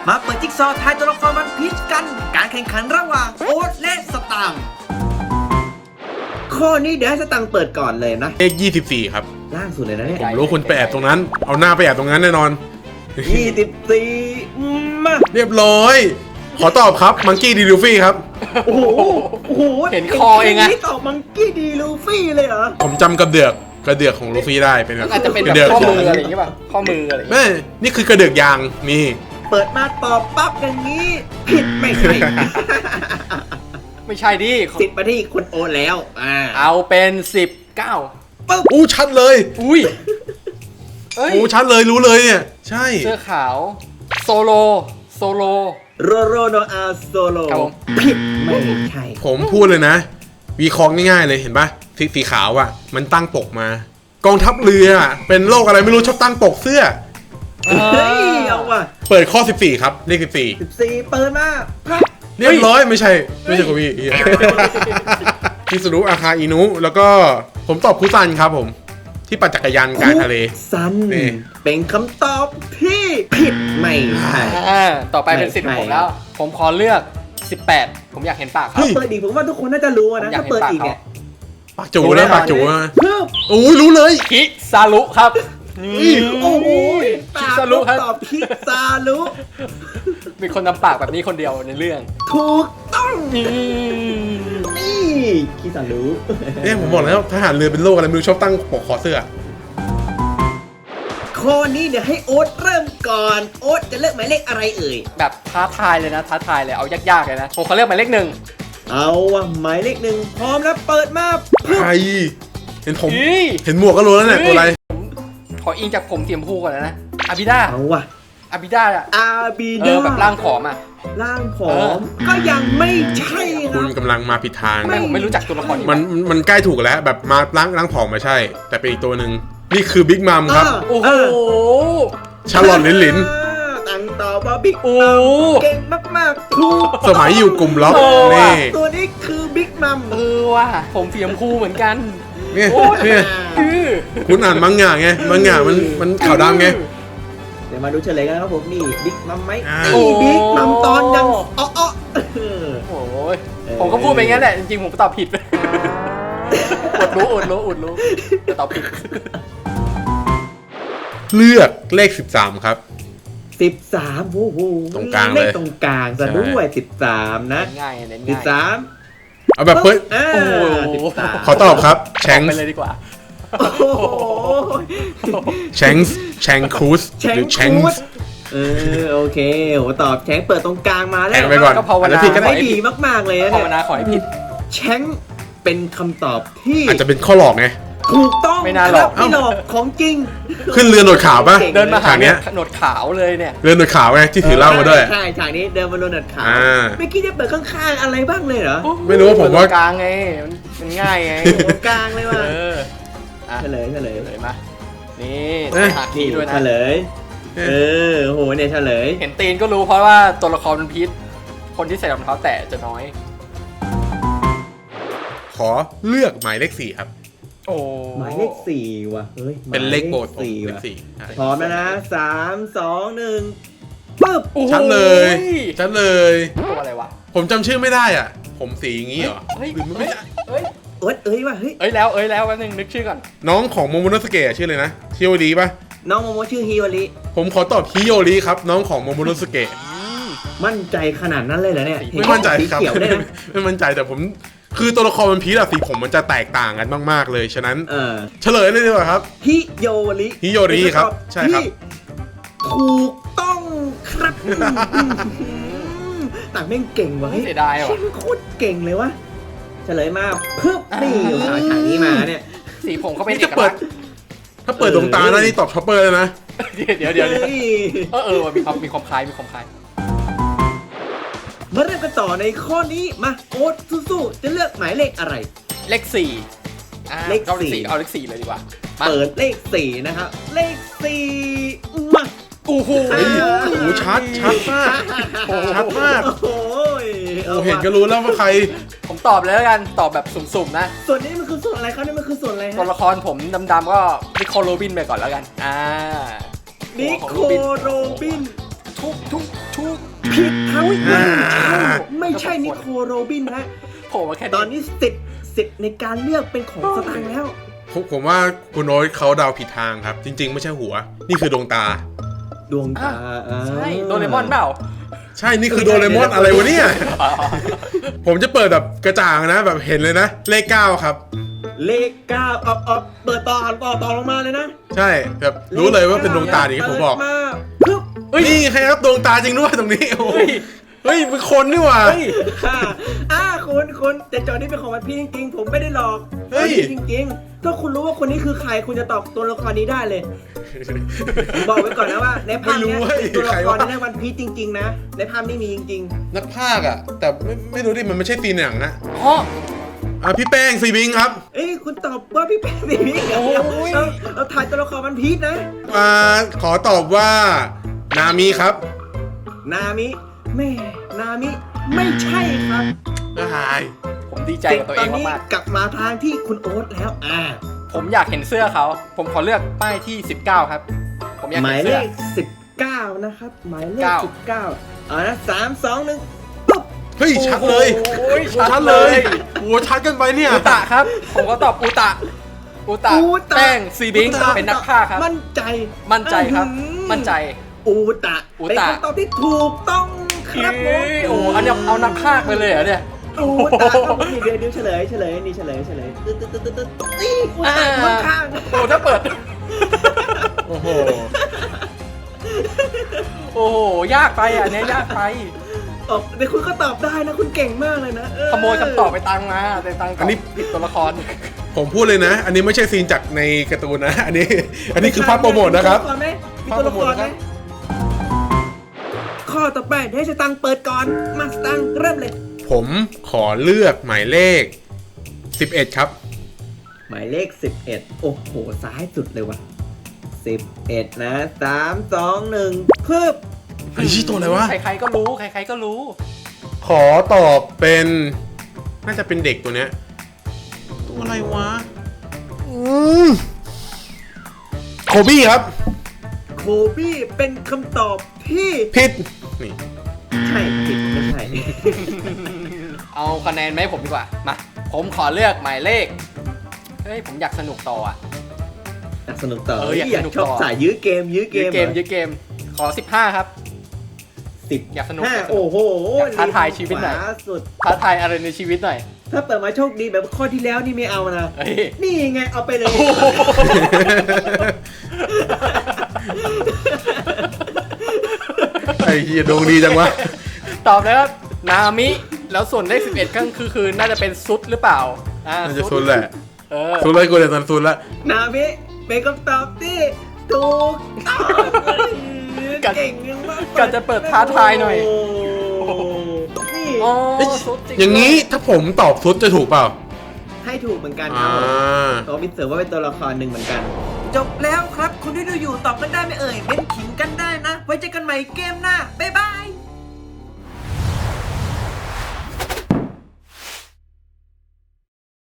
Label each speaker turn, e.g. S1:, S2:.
S1: มาเปิดจิ๊กซอว์ทายตัวละครวันพีชกัน การแข่งขันระหว่างโอ๊ตและสตางค์ข้อนี้เดี๋ยวให้สตังค์เปิดก่อนเลยนะ
S2: เลข24ครับ
S1: ล่างสุดเลยนะเนี่ย
S2: ผมรู้คุณไปแอบตรงนั้น เอาหน้าไปแอบตรงนั้นแน่นอน
S1: 24 มา
S2: เรียบร้อย ขอตอบครับมังกี้ดีลูฟี่ครับ
S1: โอ้โหโอ้โห
S3: เห็นคอเองอะ
S1: นี่ตอบมังกี้ดีลูฟี่เลยเหรอ
S2: ผมจำกระเดือกของลูฟี่ได้เป็นแบบ
S3: อาจจะเป็น
S2: ก
S3: แบ
S2: ระ
S3: บ
S2: เดือก
S3: ข้อ
S2: ขอ
S3: มื
S2: ง
S3: ออะไรอย่างเงี้ยป่ะข้อมืออะไรอย่างเงี้ย
S2: แม่นี่คือกระเดือกยางนี่
S1: เปิดมาตอบปั๊บอย่างนี้ ผิดไม่ใช่
S3: ไม่ใช่ดิ
S1: สิบมาที่คุณโอ๊ตแล้ว
S3: เอาเป็น19
S1: ปึ๊บ
S2: อู้ชัดเลย
S3: อุ้ยเอ้ย
S2: อู้ชัดเลยรู้เลยเนี่ยใช่
S3: เสื้อขาวโซโล
S1: โรโรโนอาโซโล
S3: ครับผม
S1: ผิดไม่ใช่
S2: ผมพูดเลยนะวีคองง่ายๆเลยเห็นปะสีขาวอ่ะมันตั้งปกมา กองทัพเรืออะเป็นโรคอะไรไม่รู้ชอบตั้งปกเสื้อ
S1: เฮ้ยเอาว่ะ
S2: เปิดข้อ14ครับเลข14
S1: 14เปิดมาพับ
S2: เรียบร้อยไม่ใช่โคบี้คิสุรุอาคาอินุแล้วก็ผมตอบคุซันครับผมที่ปั่นจักรยานกลางทะเล
S1: ซัน
S2: นี่
S1: เป็นคำตอบที่ผิดไม่ใช่
S3: ต่อไปเป็นสิทธิ์ของผมแล้ว ผมขอเลือก18ผมอยากเห็นปากเขา
S1: เปิดอีกผมว่าทุกคนน่าจะรู้นะ
S3: ผมอยาก
S1: ถ้าเปิดอีก
S3: เห็น
S1: เนี่ย
S3: ปาก
S2: ปากจูนะปากจูนะ
S1: เพิ่ม
S2: โอ้ยรู้เลย
S3: คิซารุครับ
S1: โอ้โห
S3: คิซารุครับ
S1: ตอบคิซารุ
S3: มีคนทำปากแบบนี้คนเดียวในเรื่อง
S1: ถูกต้อง
S3: อืม
S1: นี่คิซารุ
S2: เนี่ยผมบอกแล้วทหารเรือเป็นโรคอะไรไม่รู้ชอบตั้งปกคอเสื้อ
S1: ข้อนี้เดี๋ยวให้โอ๊ตเริ่มก่อนโอ๊ตจะเลือกหมายเลขอะไรเอ่ย
S3: แบบท้าทายเลยนะท้าทายเลยเอายากๆเลยนะผมขอเลือกหมายเลข 1
S1: เอาว่ะหมายเลข 1พร้อมแล้วเปิดมาปึ๊บ
S2: ใครเห็นผม
S3: เฮ้ย
S2: เห็นหมวกก็รู้แล้วเนี่ยตัวอะไร
S3: ขออิงจากผมเสียมพูก่อนนะอาบิดา
S1: เอาว่ะ
S3: อาบิดาอะ
S1: อาบี
S3: เอ
S1: ดา
S3: อแบบร่างผอมอะ
S1: ร่างผอมก็ยังไม่ใช่ค
S2: คุ
S1: รั
S2: ณ
S1: บ
S2: กำลังมาผิดทาง
S3: ทำไมผมไม่รู้จักตัวละครนี้
S2: มันใกล้ถูกแล้วแบบมาล้างผอมมาใช่ แต่เป็นอีกตัวหนึ่งนี่คือบิ๊กมัมครับ
S3: โอ้โห
S2: ชาร์ลอตลิน
S1: ตั้งต่อว่าบิ๊ก
S3: โอ้
S1: มัมเก่งมากๆถูก
S2: สมัยอยู่กลุ่มล็อก
S3: โอ้
S2: นี่
S1: ตัวนี้คือบิ๊กมัม
S3: เออว่ะผมเสียมพูเหมือนกัน
S2: เนี่ย
S3: โอ้ย
S2: เนี่ย
S3: คือ
S2: คุณอ่านมังงะไงมังงะมันขาวดำไง
S1: เดี๋ยวมาดูเฉลยกันครับผมนี่บิ๊กมัมไหม
S2: อ่า
S1: นี่บิ๊กมัมตอนยังอ้อ
S3: โอ้ยผมก็พูดไปงั้นแหละจริงๆผมตอบผิดอดรู้แต่ตอบผิด
S2: เลือกเลข13ครับ
S1: 13โอ้โห
S2: ตรงกลางเลย
S1: ขตรงกลางซะด้วย13นะ
S3: ง่ายเน้นง่าย
S1: 13
S2: เอาแบบเปิด
S3: โอ้โห
S2: ขอตอบครับแชง
S3: ไป
S2: ส์
S3: เลยดีกว่า
S1: โอ้โห
S2: แชงครูส
S1: แชง
S2: หรือแชง
S1: คูด
S2: ส์
S1: โอเคโหตอบแชงเปิดตรงกลางมาแล้
S2: แช
S1: ว
S2: งไปก่อน
S3: ก็ภาวนา
S2: แล้วผิดก็
S1: ไม่
S2: ได้
S1: ดีมากๆเลยนะ
S3: ภา
S1: เนี่
S3: วย นาขอให้ผิด
S1: แชงเป็นคำตอบที่
S2: อาจจะเป็นข้อหลอกไง
S1: ถูกต้อง
S3: ไม่น่าหรอก
S1: ครับไม่หลอกของจริง
S2: ขึ้นเรือหนวดขาวปะ
S1: ก่ง
S3: เดินมาหา
S2: ฉากเนี้
S3: เนี่ย
S2: ย
S3: หนวดขาวเลยเนี่ย
S2: เรือหนวดขาวไงที่ถือเหล้ามาด้วย
S1: ใช่ฉากนี้เดินมาโดนหนัดขาว
S2: อ่า
S1: ไม่คิดจะเปิดข้างๆอะไรบ้างเลยเหรอ
S2: ไม่รู้ว่าผมว่า
S3: ตรงกลางไงมันง่ายไง
S1: ตรงกลางเลยว่ะ
S3: เอออ่ะ
S1: เฉลย
S3: เลยมานี่
S2: เอ๊ะ
S3: หาคีย์ด้วยนะ
S1: เฉลยโหเนี่ยเฉลย
S3: เห็นตีนก็รู้เพราะว่าตัวละครมันพิษคนที่ใส่รองเท้าแตะจะน้อย
S2: ขอเลือกหมายเลข4ครับ
S3: โอ้
S1: หมายเลข4ว่ะเฮ้ย
S2: เป็นเลขโบสถ์ผม
S1: 4
S2: เลข
S1: ว่ะ
S2: 4ใช่
S1: พร้อมแล้วนะ3 2 1ปึ๊บ
S3: โอ้โห
S2: ชัดเลยชัดเลย
S3: ตัวอะไรวะ
S2: ผมจำชื่อไม่ได้อ่ะ ผมสีอย่างงี้เหรอ
S3: เฮ้ย
S2: หรือมันไม่ใช่
S3: เฮ้ย
S1: เอ้ยว่ะเฮ้ย
S3: แล้วแป๊บนึงนึกชื่อก่อน
S2: น้องของโมโมโนสเกะชื่อเลยนะฮิโอริปะ
S1: น้องโมโมชื่อฮิโอริ
S2: ผมขอตอบฮิโอริครับ น้องของโมโมโนสเกะ
S1: มั่นใจขนาดนั้นเลยเหรอเนี่ย
S2: ไม่มั่นใจครับ
S1: สีเขียวได้นะ
S2: ไม่มั่นใจแต่ผมคือตัวละครมันพีชอะสีผมมันจะแตกต่างกันมากๆเลยฉะนั้น เฉลยเลยดีกว่าครับ
S1: ฮิโยริ
S2: ฮิโยริครับใช่ครับ
S1: ที่ถูกต้องครับต่างแม่งเก่งว่ะ
S3: เสียดายว่ะ
S1: เช่นโคตรเก่งเลยวะเฉลยมาปึ๊บนี่อยู่ฉากนี้มาเนี่ย
S3: สีผมเขาเป็น
S2: นี่
S3: เอ
S2: จะ
S3: ก
S2: เปิ
S3: ลั
S2: ด
S3: กษณ์
S2: ถ้าเปิดดวงตาแล้วนี่ตอบช็อปเปอร์เลยนะ
S3: เดี๋ยว
S1: เฮ้ย
S3: ว่ะมีความคล้าย
S1: มาเริ่มกันต่อในข้อนี้มาโอ๊ตสู้ๆจะเลือกหมายเลขอะไร
S3: เลขสี่
S1: เลข
S3: เอาเลข
S1: สี่
S3: สี่เอาเลขสี่เลยดีกว่ามา
S1: เปิดเลข4นะครับเลข4มา
S3: โอ้โห
S2: โอ้โหชัดมากชัดมาก
S1: โอ้โห
S2: โอ้เห็นก็รู้แล้วว่าใคร
S3: ผมตอบเลยแล้วกันตอบแบบสุ่มๆนะ
S1: ส่วนนี้มันคือส่วนอะไรครับนี่มันคือส่วนอะไร
S3: ตัว
S1: ฮะ
S3: ละครผมดำๆก็นิโคลโรบินไปก่อนแล้วกัน
S1: นิโค
S3: ของโรบิน
S1: โรบิน
S3: ทุก
S1: ผิดเขาอีกแล้วไม่ใช่นิโคลโรบินนะ
S3: โผล่มาแค่
S1: ตอนนี้สิทธิ์ในการเลือกเป็นของสตางค์แล้ว
S2: ผมว่าคุณโอ๊ตเขาเดาผิดทางครับ จริง ๆ ไม่ใช่หัว นี่คือดวงตา
S1: ดวงตา
S3: ใช่โดเรมอนเปล่า
S2: ใช่นี่คือโดเรมอนอะไรวะเนี่ย ผมจะเปิดแบบกระจ่างนะแบบเห็นเลยนะ เลข 9 ครับ
S1: เลข9เอาเปิดต่อลงมาเลยนะ
S2: ใช่แบบรู้เลยว่าเป็นดวงตาอย่างที่ผมบอก
S1: เปิดมาปึ๊บ
S2: นี่ใครครับดวงตาจริงด้วยตรงนี้โอ้โหเฮ้ยเป็นคนนี่หว่า
S3: เฮ้ย
S1: คุณแต่จอนี่เป็นของวันพี่จริงๆผมไม่ได้หลอก
S2: เฮ้ย
S1: จริงๆถ้าคุณรู้ว่าคนนี้คือใครคุณจะตอบตัวละครนี้ได้เลยผมบอกไว้ก่อนนะว่าในภาพเนี้ยเป็นตัวละครในวันพีชจริงๆนะในภาพนี้มีจริง
S2: นักพากย์อะแต่ไม่รู้ดิมันไม่ใช่ตีนหนังนะ
S3: อ๋อ
S2: พี่แป้งซีบิงครับ
S1: ๆเอ้ยคุณตอบว่าพี่แป้งสิพี่
S3: โอ้ย
S1: เราถ่ายตัวละครวันพีชนะ
S2: ขอตอบว่านามิครับ
S1: นามิแม่นามิไม่ใช่ครับ
S2: หาย
S3: ผมดีใจกับตัวเองมาก
S1: กลับมาทางที่คุณโอ๊ตแล้ว
S3: ๆผมอยากเห็นเสื้อเขา ผมขอเลือกป้ายที่ 19 ครับ ผมอยาก
S1: หมา
S3: เห็
S1: ย
S3: น
S1: เล
S3: เสื้อ
S1: ข19นะครับหมายเลข
S3: เก้า
S1: 19เอานะ3 2 1ปุ๊บ
S2: เฮ้ยชัดเลย
S3: โอ้ยชัด
S2: ชัด
S3: เล
S2: เลย ยโอ้ชัดกันไปเนี่ย
S3: อุตะครับ ผมก็ตอบอุตะแป้งซีบิงเป็นนักฆ่าครับ
S1: มั่นใจ
S3: มั่นใจครับ มั่นใจ
S1: อูตะ
S3: อู
S1: เป็น
S3: ตะ
S1: คำตอบที่ถูกต้องครับผม
S3: โอ้อันนี้เอานักฆ่าไปเลยเหรอเนี่ย
S1: อูตะครับนี่เดี๋ยวเฉลยนี่เฉลยตึ๊ดนี่อูตะอยู่ข้าง
S3: โอ้ถ้าเปิด
S2: โอ้โห
S3: โอ้โห ยากไปอ่ะอันเนี้ยยากไป
S1: เดี๋ยวคุณก็ตอบได้นะคุณเก่งมากเลยนะ
S3: ขโมยคำตอบไปตังมาแต่ตังตอบผิดตัวละคร
S2: ผมพูดเลยนะ อันนี้ไม่ใช่ซีนจากในการ์ตูนนะ อันนี้คือภาพโปรโมทนะครับ
S1: มีตัวละครไหมข้อต่อไปเดี๋ยวให้สตังค์เปิดก่อนมาสตังค์เริ่มเลย
S2: ผมขอเลือกหมายเลข 11 ครับ
S1: หมายเลข11โอ้โหซ้ายสุดเลยว่ะ11นะ3 2 1พึบ
S2: ไอ้ชี้ตัวอะไรวะ
S3: ใครๆก็รู้ใครๆก็รู้
S2: ขอตอบเป็นน่าจะเป็นเด็กตัวเนี้ยตัวอะไรวะโคบี้ครับ
S1: โคบี้เป็นคำตอบที่
S2: ผิดนี่
S1: ใช่ผิดไม่ใช่
S3: เอาคะแนนไหมาให้ผมดีกว่า มา ผมขอเลือกหมายเลข เฮ้ย ผมอยากสนุกต่ออ่ะ
S1: อยากสนุกต่อ
S3: อยาก
S1: อยาก
S3: สนุก
S1: ชอบ
S3: ต่อ
S1: สายยื้อเกม
S3: ยื้อเกม ขอ 15 ครับ
S1: 10
S3: อยากสนุก
S1: 5โอ้โห
S3: อยากท้าทายชีวิตหน่อย
S1: ขวาสุด
S3: ท้าทายอะไรในชีวิตหน่อย
S1: ถ้าเปิดมาโชคดีแบบข้อที่แล้วนี่ไม่เอานะ
S3: เฮ้ย
S1: นี่ไงเอาไปเลย
S2: ไอ้เหี้ยดวงดีจังวะ
S3: ตอบเลยครับ นามิ แล้วส่วนเลข11ก็คือน่าจะเป็นซุดหรือเปล่า
S2: น่าจะซุนแหละ
S3: เออ
S2: ซุนเลยกูเดี๋ยวตอนซุนละ
S1: นามิเป็นคำตอบที่ถูกต้องเก่งมาก
S3: ก่อนจะเปิดท้าทายหน่อย
S1: โอ้โหนี่
S3: อ๋อซุดจริง
S2: อย่างนี้ถ้าผมตอบซุนจะถูกเปล่า
S1: ให้ถูกเหมือนกันครับผมตัวมิสเตอร์ว่าเป็นตัวละครหนึ่งเหมือนกัน จบแล้วครับ คุณที่ดูอยู่ตอบกันได้ไหมเอ่ยเม้นขิงกันได้นะ ไว้เจอกันใหม่เกมหน้า บ๊ายบาย